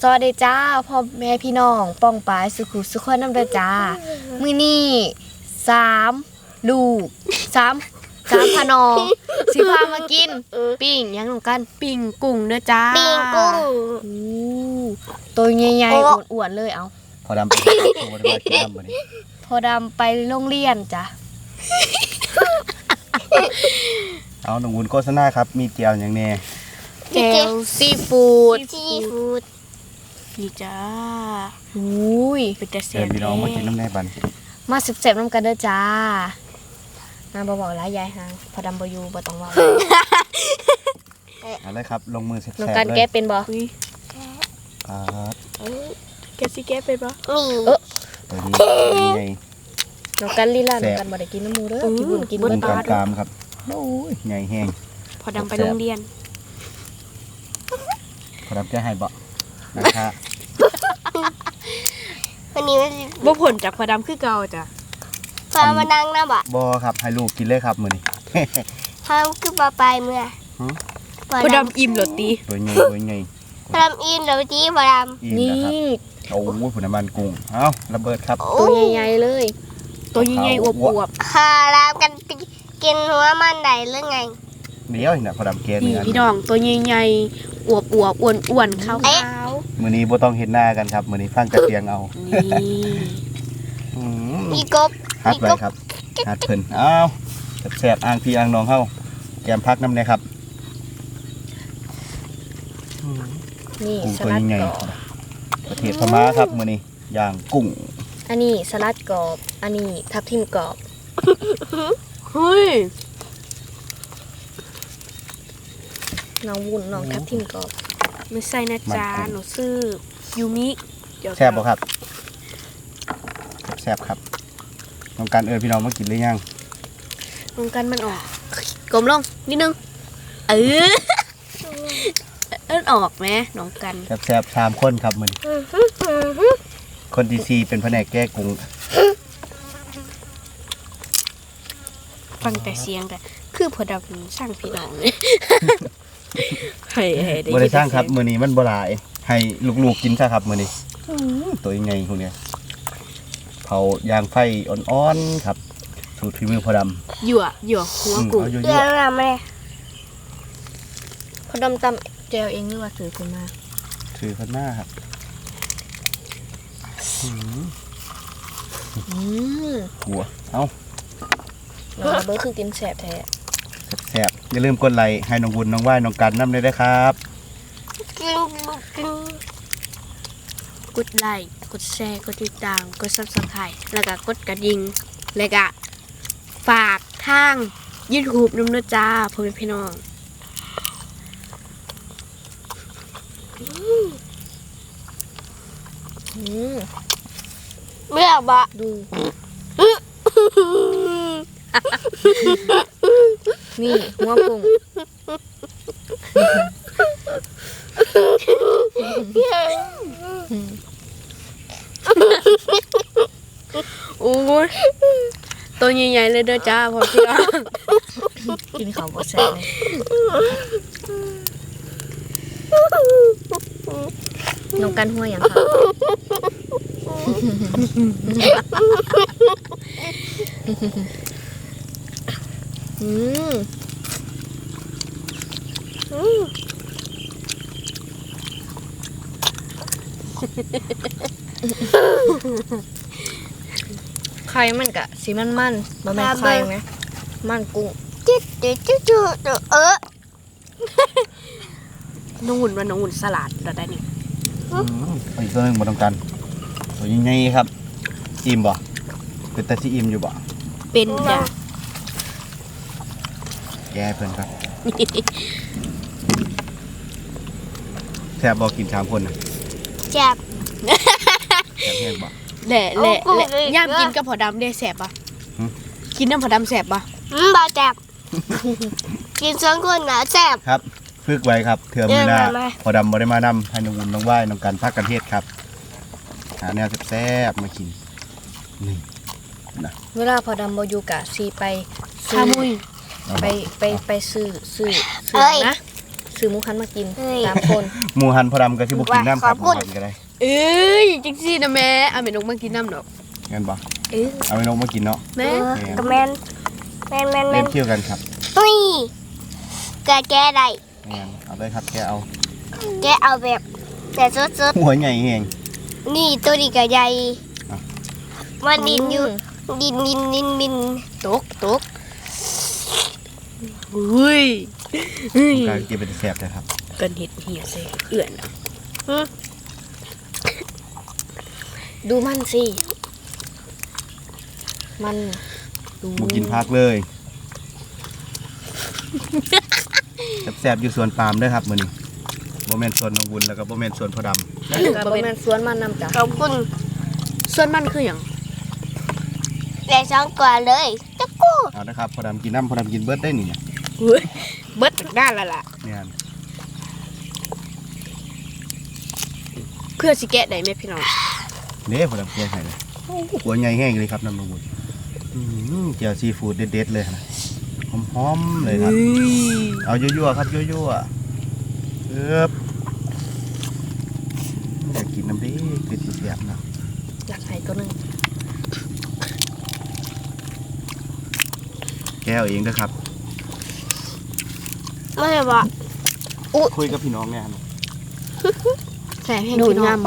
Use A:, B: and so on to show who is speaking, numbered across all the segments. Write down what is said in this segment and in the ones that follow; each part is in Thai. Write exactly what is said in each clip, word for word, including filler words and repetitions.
A: สวัสดีจ้าพ่อแม่พี่น้องป้องปายสุขุสุขคนน้ำเด้อจ้ามื้อนี้สามลูกสามสามพนองสิพามากินปิ้งยังหนูกันปิ้งกุ้งเด้อจ้า
B: ปิ้งกุ้ง
A: อู้ตัวใหญ่ๆอ้วนๆเลยเอา
C: พอดำไปตัวได้กินดำบ่นี่
A: พอดำไปโรงเรียนจ้ะ
C: เอาหนุ่มวุ้นโฆษณาครับมีเจียวอย่างแน่
A: แจ่วซีฟู้ด
B: ซีฟู้ด
A: นี่จ้าอุ้ยเป็นแต่แซ่
C: เชิญ
A: บ
C: พี่น้องมากินน้ำแน่บัน
A: มาแซ่บๆน้ำกันเด้อจ้ามาบ่บอกหลายยายหางพอดำบ่อยู่บ่ต้องเว้า
C: เอาเลยครับลงมือแซ่บ
A: น้อง
C: ๆ
A: กัน
C: เลย
A: แก้เป็นบ่
C: ครับ
A: แกสิแก้เป็นบ่
B: นี่
A: เออ
C: ตัวนี้ตัวนี้ไง
A: น้องกันลีลา
C: แซ่
A: น้อง
C: บ
A: กันบ่ได้กินน้ำหมูเด้อกินบุญกิน
C: บุ
A: เบิ
C: ญ
A: ด
C: กา
A: บาร ด
C: กามครับโอ้ยใหญ่แห้ง
A: พอดำไปโรงเรียน
C: พอดำแก้ให้บ่นะคะ
B: วันนี้มัน
A: บ่ผลจากพอดำคือเก่าจ้ะ
B: พามานั่งนะบ่
C: บ่ครับให้ลูกกินเลยครับมื้อนี้
B: พาคือปลาปลายเมื่อ
C: ฮะ
A: พอดำอิ่มเหรอตี
C: ตัวใหญ่ตัวใหญ่
B: พดำอินเดี๋ยวจีพด
C: อิ่ม
A: นี่
C: นะครับโอ้ยผุน้ำมันกุ้งเอ้าระเบิดครับ
B: ำ
A: ตัวใหญ่ๆเลย ตัวใหญ่ๆอวบ
B: คารามกันกินหัวมันได้หรือไง
C: เดี๋ยวนี่นะพอดำแก้
A: ๆ
C: เนื้
A: นี่
C: อ
A: พี่น้องตัวใหญ่ๆอวบๆอ้วนๆขาว
C: มื้อนี้บ่ต้องเห็นหน้ากันครับมื้อนี้ฟังแต่เสียงเอา
A: ๆนี่
C: อืม
B: มีกบ
C: ฮัด
B: มี
C: ไว้
B: กบ
C: ครับฮัดเพิ่นอ้าวแซ่บๆอ่างพี่อ่างน้องเฮาแกมพักน้ำเลยครับ
A: นี่
C: กุ้ง
A: ส
C: ตัว
A: ลัด
C: ใหญ่
A: กรอบ
C: ประเทศพม่าครับมื้อนี้ย่างกุ้ง
A: อันนี้สลัดกรอบอันนี้ทับทิมกรอบเฮ้ยน้องวุ้นน้องทับทิมกรอบไม่ใส่นะจ๊ะหนูซื้อยูมิ
C: แซ่บบ่ครับแซ่บครับต้องการเอิ้นพี่น้องมากินหรือยัง
A: ลงกันมันออกกลมลงนิดนึงเออเอิ้นออกไหมน้องกัน
C: แซ่บๆสามคนครับมื้อนี้คนที่สี่เป็นแผนกแก้กุ้ง
A: ฟังแต่เสียงกันคือพอดำสร้างพี่น้องเลยให้ให้ได้
C: บ่ได้สร้างครับมื้อนี้มันบ่หลายให้ลูกๆกินซะครับมื้อนี้ตัวใหญ่พวกเนี้ยเผายางไฟอ่อนๆครับสูตรฝีมือพอดำ
A: หยั่วหยั่วหัว
C: อืม
A: กุ้ง
C: เอาเย
B: เรื่อ
C: อะ
B: งอะไร
A: พอดำตำเจลเองหรือว่าถือขึ้นมา
C: ๆถือข้างหน้าครับอืม
A: อืม
C: หัวเอ้า
A: น้องเบิร์ดคือกินแสบแท้
C: แซ่บๆอย่าลืมกดไลค์ให้น้องวุ้นน้องว่ายน้องกันน้ำเลยนะครับ
B: กินกิน
A: กดไลค์กดแชร์กดติดตามกดซับสไครต์แล้วก็กดกระดิ่งแล้วก็ฝากทางยูทูบน้ำเนื้อจ้าพ่อแม่พี่น้องอืม
B: เมื่อบะ
A: ดูนี่หัวกุ้งโอ้ยตัวใหญ่ๆเลยเด้อจ้าพ่อพี่น้องกินของบ่แซ่บเลยน้องกันหัวอย่างค่ะอืมไข่มันกะสีมันมันบะแม่นไข่ไหมมันกุ้ง
B: จิ๊ดจิ๊ดจิ๊ดจิ๊ดเออ
A: น้องหุ่นว่าน้องหุ่นสลัดเราได้นี่
C: อืมเอาอีกตัวหนึงบ่ต้องกันตัวใหญ่ๆครับอิ่มบ่เป็นตาสิอิ่มอยู่บ่
A: เป็นจ้ะ
C: แย่เพิ่นครับแซ่บบ่กินสามคนน่ะ
B: แจ็บ
C: แซ่บแห้งบ่
A: แหละแหละ
B: เอากุ้ง
A: แหละ
B: อีก
A: ย่ามกินกับผอดำได้แสบปะ
C: หืม
A: กินน้ำผอดำแสบปะ
B: อืมบาแจ็บกินสองคนนะแจ็บ
C: ครับฝึกไว้ครับเถื่อมือหน้า
B: เดินมาไหม
C: พอดำบ่ได้มานำให้น้องวุ้นน้องว่ายน้องกันพักกันเทศครับหาแนวแซ่บๆมากินนี่
A: เวลาผอดำบอยู่กะซีไปซื้
B: ขา
A: อ
B: มุย
C: เอา
A: ไป
C: บ่
A: ไปไปซื้อซื้อซื้
B: เอ้
A: อย นะซื้อหมูหันมากิน
B: เฮ้ย
A: สามคน
C: หมูหันพอดำก็สิบ่กินน้ำครับ
B: ข
C: ห
B: อบ
C: มู
B: คุณ
C: หันก็ได้
D: เอ้ยจังซี่นะแม่เอาแม่นกมากินน้ำดอก
C: งั้นบ่
D: เอ้ย
C: เอาไปนกมากินเนาะ
D: แม่
B: เออกับแมนแมนแมนแม
C: เล่
B: น
C: นเที่ยวกันครับ
B: อุ้ยแกแกได้
C: งั้นเอาเลยครับแกเอา
B: แกเอาแบบแต่สด
C: หัวใหญ่แฮง
B: ๆนี่ตัวนี้ก็ใหญ่
C: อ่ะ
B: มันดินอยู่ดินดินดินดิน
D: ตกตกอุ้ยเฮ้ย
C: การกินเป็นแซ่บเลยครับ
D: กันเห็ดเหี่ยใส่เอื่อนอะ
A: ดูมันสิมันดู
C: บ่กินพักเลยแซ่บๆอยู่สวนปาล์มเด้อครับมื้อนี้บ่แม่นสวนน้องบุญแล้วก็บ่แม่นสวนพ่อดำ
A: แล้วบ่แม่นสวนมันนำจ้ะ
B: ขอบคุณ
D: ส่วนมันคืออย่าง
B: แต่สองก่อนเลยจะกู้
C: เอานะครับพ่อดำกินน้ำพ่อดำกินเบิดได้นี่เนี่ย
D: เฮ้ยเบิดจากด้านละล่ะ
C: เนี่ย
D: เพื่อสิแกะได้ไหมพี่น้อง
C: เด้พ่อดำแกงให้เลยหัวใหญ่แห้งเลยครับน้ำน้องบุญอืมเจียวซีฟู้ดเด็ดๆเลยนะหอมๆเลยครับ เอายั่วๆครับยั่วๆเอ๊บอยากกินน้ำดิคือสีเสียบนะ
A: อยากให้ตัวหนึง
C: แก้วเองนะครับ
B: ไม่ใช่ปะ
C: คุยกับพี่น้องเนี่ยครับ
A: แสบให้
D: ดูด
A: พี่น้อง
D: าม
A: ง
D: บ่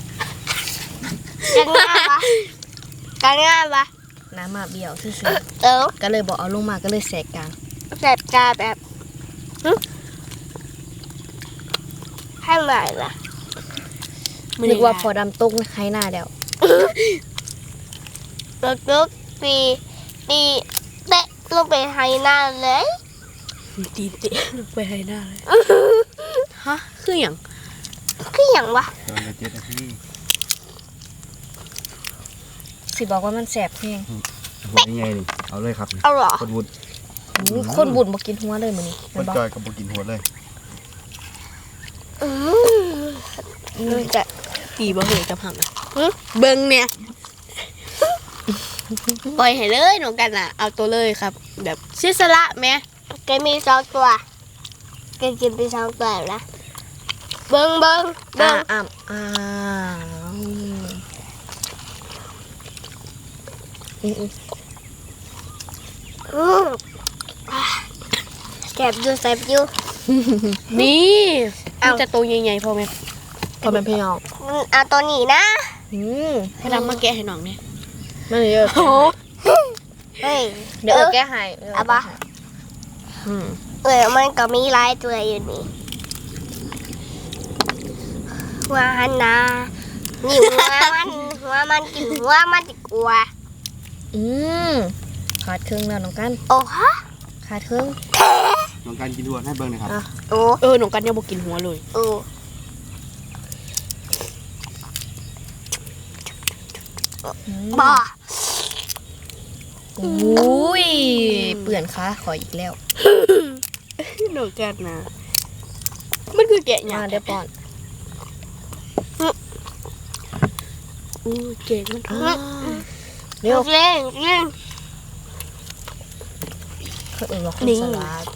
B: กันง่ายปะกันง่ายปะ
A: น้ำมาเบี้ยวซื่อ
B: เออ
A: ๆก็เลยบอกเอาลงมาก็เลยแสกกลาง
B: แบบกาแบบหึให้ใหม่ละ
A: นึกว่าพอดำตกใครหน้าเดียว
B: แล้วก็ปีตีเตะลงไปให้หน้าเลย
D: ตีนเตะลงไปให้หน้าเลยฮะคืออย่าง
B: คืออย่างวะ
C: ตอนเจ็ดนาที
A: สิบอกว่ามันแสบแห้ง
C: หัวยังไงนี่เอาเลยครับ
B: เอาเหรอ
C: คนบุญ
A: อู้คนบุญบ่กินหัวเลยมื้อนี้
C: ค
A: แม่
C: น
A: นบ่
C: จอยกับบุกินหัวเลย
B: อืม
A: อืมจะ
D: ตีบ่เหยกับหังอะเบิ่งเนี่ยปล่อยให้เลยหนูกันอ่ะ เอาตัวเลยครับ แบบเสียสละแม่
B: แกมีสองตัวแกกินไปสองตัวแล้วเบิ้งเบิ้ง
A: อ่า
B: เบิ้ง
A: อ่าอ่าอืมอืม
B: อืมอ่ะแสบอยู่แสบอยู่
D: นี่
B: เอา
D: มันจะตัวใหญ่ๆพอไหม
A: พอเป็นพี่น้อง
B: อืมเอาตัวนี้นะ
A: อืม
D: ให้ดำมาแกะให้น้องเนี่ย
A: มันเยอะ
D: โอ้
B: เฮ้ย
A: เดี๋ยวเอาแก้ให้
B: เอาปะ
A: อืม
B: เออมันก็มีหลายตัวอยู่นี่หัวหันนานี่หัวมันหัวมันกินหัวมันดีกว่า
A: อืมขาดเครื่องแล้วน้องกัน
B: โอ้ฮะ
A: ขาดเครื่อง
C: น้องการกินหัวให้เบิ้งหนะครับ
A: อ่ะ
B: โอ้
D: เออหนูกันยังบ่กินหัวเลย
B: โอ้
A: อืม
B: บ้า
A: อุ้ยเปื่อนขาขออีกแล้ว
D: หนูกันนะมันคือแกะหยั
A: มาง เดี๋ยวป้อน
D: อู้เก่งมัน
A: อ่าเดี๋ยว
B: เล่นเล่น
A: เขาเอื่นว่าคนสลัด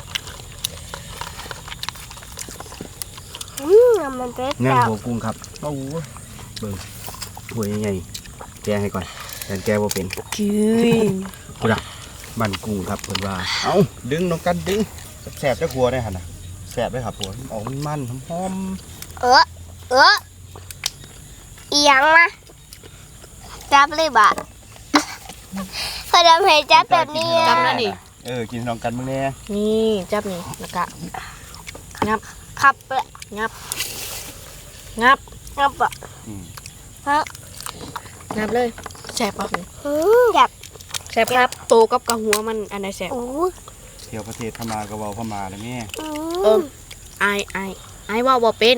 B: อืมมันเป็น
C: นั่ง
B: แบบ
C: หัวกุ้งครับโอ้โหเบิ้งหัวยังไงแกให้ก่อนแต่แกว่าเป็น
D: จืด
C: กูดักบันกุ้งครับเพิ่นว่าเอ้าดึงน้องกันดึงแสบๆจะครัวได้หั่นน่ะแสบได้ครับผัวออกมันๆหอม
B: เออเอออีหยังมาจับเลยบะพอดำให้จับแบบนี้
C: ๆ
B: อะ
D: จำแล้วนี่
C: เออกินน้องกันมึงแน่
A: นี่จับนี่แล้วก็งับ
B: ขับเลย
A: งับงับ
B: งับอ่ะ
C: อืม
B: ฮะ
A: งับเลย
D: แสบปะ
B: อืมแบบ
A: แซ่บครับ
D: โตกับกระหัวมันอันไหนแสบ
B: โอ้
C: เที่ยวประเทศพม่าก็เว้าพม่าแล้วแม่
B: อื
D: เอ
B: ม
D: อไอไอไอว่าบ่เป็น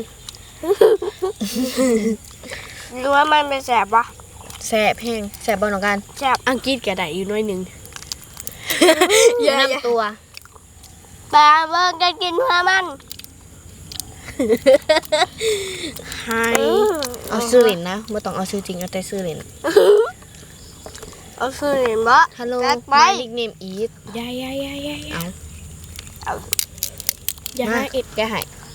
B: รู้ว่ามันเป็นแสบปะ
A: แซ่บแห้งแซ่บบ่น้องกัน
B: แสบ
D: อังกฤษก็ได้อยู่หน้อยหนึง
A: อย่าน้ำตัว
B: ปลาเบิ้งจะกินเพื่อมัน
D: ไฮ
B: อืม
A: เอาซื้อเหรียญนะไม่ต้องเอาซื้อจริงเอาแต่ซื้อเหรียญ
B: เอาซื้อเห็นบ่
A: ฮัลโหล
B: จัดไป
A: my nickname is
D: ยายายายายา
A: เอา
B: เอา
D: ยา
A: มา
D: เอ็ด
A: แกให้
B: อ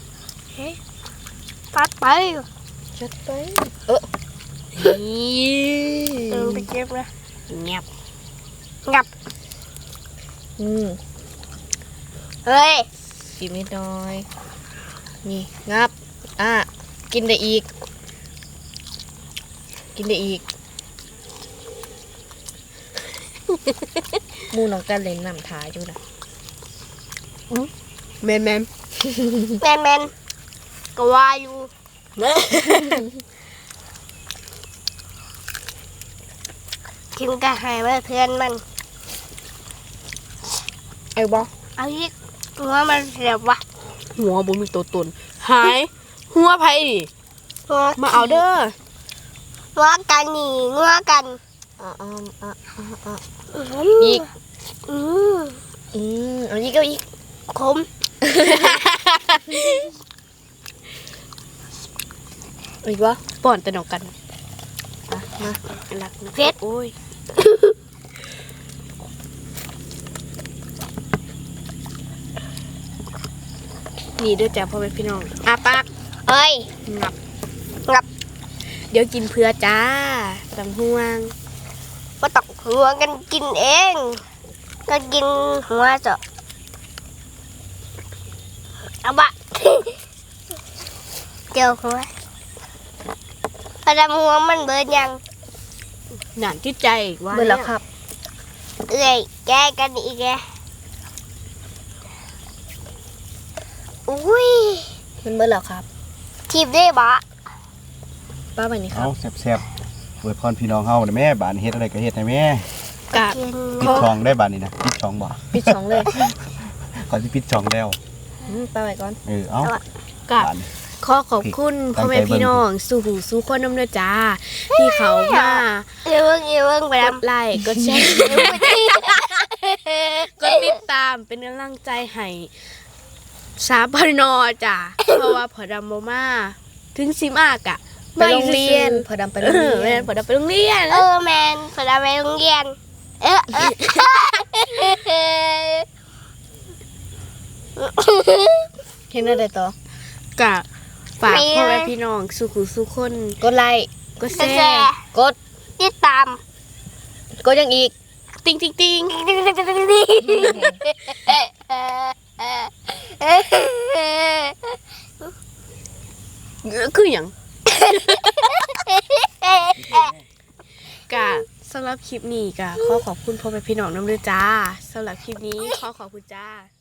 B: ปัดไป
A: จัดไปเออ
D: นี่
B: เออไปเก็บนะ
D: เงียบ
B: งับ
A: อืม
B: เฮ้ย
A: กินนิดหน่อยนี่งับอ่ะกินได้อีก กินได้อีก หมูน้องกันเล่นน้ำทาอยู่นะ
D: แมนแมน
B: แมนแมนก็ว่าอยู่กินกระหายมาเพื่อนมัน
A: ไอ้บอ
B: เอาอีกว่ามันเสียบวะ
D: หัวบ่มีตัวตนหายหัวไผดิมาเอาเด้อ
B: งัวกันนี่งัวกัน
A: อ่ะอ่ะอ่ะอ่ะอ่ะ
B: อี
A: อีก
B: อืม
A: อืมเอาอีกเอาอีก
B: คม
A: เอาอีกวะ
D: ป้อนแต่นอกกัน
A: อ่ะมา
D: รักนะ
B: เผ็ด
D: โอ้ยนี่เด้อจ้าพ่อแม่พี่น้องอาปาก
B: เอ้ย
D: งับ
B: งับ
D: เดี๋ยวกินเพื่อจ้าตำห่วง
B: มาตอกหัวกันกินเอง ก็กินหัวจ้ะเอาบะ เจียวหัวพอดำหัวมันเบิดยัง
D: หนานที่ใจว่า
A: เบื่อแล้วครับ
B: เอ้ยแกกันอีกแกอุ้ย
A: มันเบื่อแล้วครับ
B: ทีบได้บะ
A: ป้าแบบนี้ครั
C: เอา
A: บ
C: แซ่บๆอวยพรพี่น้องเฮาน่ะแม่บานเฮ็ดอะไรก็เฮ็ดให้แม่
D: กะ
B: กิน
C: ปิดช่องได้บานนี้นะปิดช่องบ่
A: ปิดช่องเลย
C: ก่อนสิปิดช่องแล้ว
A: อืมป้าไว้ก่อน
C: เออเอา
D: กะ
C: บาน
D: ขอขอบคุณ
C: ตั้
D: พ่อง
C: ใจ
D: แม่พี่น้องสู่หูสู่คนน้ำเด้อจ้า ที่เขามา
B: เอ้ยเบิ่งเอ้ยเบิ่งไป
D: ก
B: ด
D: ดไลค์กดแชร์
B: ำ
D: กดติดตามเป็นกำลังใจให้สาพนอจ้ะ เพราะว่าพอดำโมมาถึงสิมากอะ
A: ไปโรงเรียน พอดำไปโร
D: เอง อ
A: เรีย
D: แม่
A: น
D: นพอดำไปโรงเรียน
B: เออแมนพอดำไปโรงเรียน เออเออ
A: เห็นอะไรต่อก
D: ะฝากพ่อแม่พี่น้องสู่หูสู่คน
A: กดไลค์
D: ก็
B: แซ่
D: แซ่
A: กด
B: ติดตาม
A: กดยังอีก
D: ติงติงติงคืออย่างกะสำหรับคลิปนี้กะขอขอบคุณพ่อแม่พี่น้องน้ำเด้อจ้าสำหรับคลิปนี้ขอขอบคุณจ้า